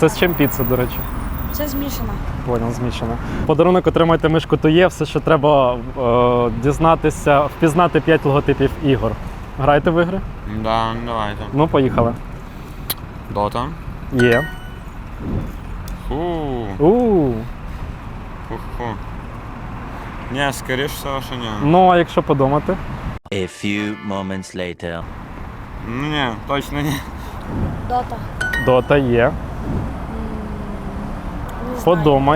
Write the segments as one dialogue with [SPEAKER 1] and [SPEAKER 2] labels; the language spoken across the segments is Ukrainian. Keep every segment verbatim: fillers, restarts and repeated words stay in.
[SPEAKER 1] Це з чим піца, до речі?
[SPEAKER 2] Це змішано.
[SPEAKER 1] Понял, змішано. Подарунок отримайте мишку Тує. Все, що треба е, дізнатися, впізнати п'ять логотипів ігор. Граєте в ігри?
[SPEAKER 3] Да, давайте.
[SPEAKER 1] Ну, поїхали.
[SPEAKER 3] Дота.
[SPEAKER 1] Є.
[SPEAKER 3] Фу.
[SPEAKER 1] У.
[SPEAKER 3] Фу-фу. Ні, скоріш всього, що ні.
[SPEAKER 1] Ну, а якщо подумати?
[SPEAKER 4] A few moments later.
[SPEAKER 3] Ну ні, точно ні.
[SPEAKER 2] Дота.
[SPEAKER 1] Дота є.
[SPEAKER 2] Не знаю.
[SPEAKER 1] Подумай.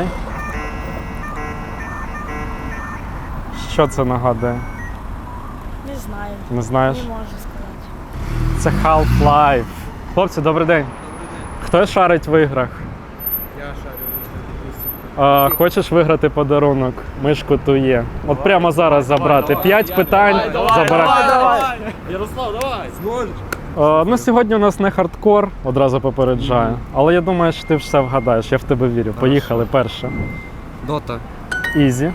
[SPEAKER 1] Що це нагадує?
[SPEAKER 2] Не знаю.
[SPEAKER 1] Не знаєш?
[SPEAKER 2] Не можу сказати.
[SPEAKER 1] Це Half-Life. Хлопці, добрий день. Хто шарить в іграх?
[SPEAKER 5] Я шарю.
[SPEAKER 1] А, хочеш виграти подарунок? Мишку Тує. От прямо зараз забрати. П'ять питань забирати.
[SPEAKER 5] Ярослав, давай!
[SPEAKER 1] А, ну, сьогодні у нас не хардкор, одразу попереджаю. Але я думаю, що ти все вгадаєш, я в тебе вірю. Поїхали, перше.
[SPEAKER 5] Дота.
[SPEAKER 1] Ізі.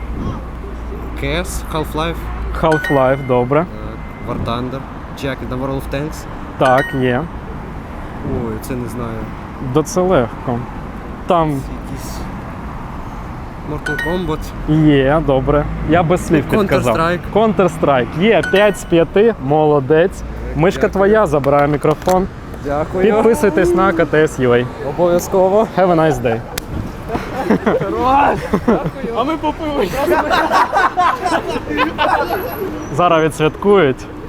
[SPEAKER 5] КС, Half-Life,
[SPEAKER 1] Half-Life, добре.
[SPEAKER 5] War Thunder, Jack the World of Tanks.
[SPEAKER 1] Так, є.
[SPEAKER 5] Ой, це не знаю.
[SPEAKER 1] До це легко. Там
[SPEAKER 5] Якийсь Mortal Kombat.
[SPEAKER 1] є, добре. Я без слів підказав.
[SPEAKER 5] Counter-Strike.
[SPEAKER 1] Counter-Strike. Є, п'ять з п'яти, молодець. Мишка твоя, забирає мікрофон.
[SPEAKER 5] Дякую.
[SPEAKER 1] Підписуйтесь на ка те ес ю ей.
[SPEAKER 5] Обов'язково.
[SPEAKER 1] Have a nice day.
[SPEAKER 5] А ми попили.
[SPEAKER 1] Зараз відсвяткують.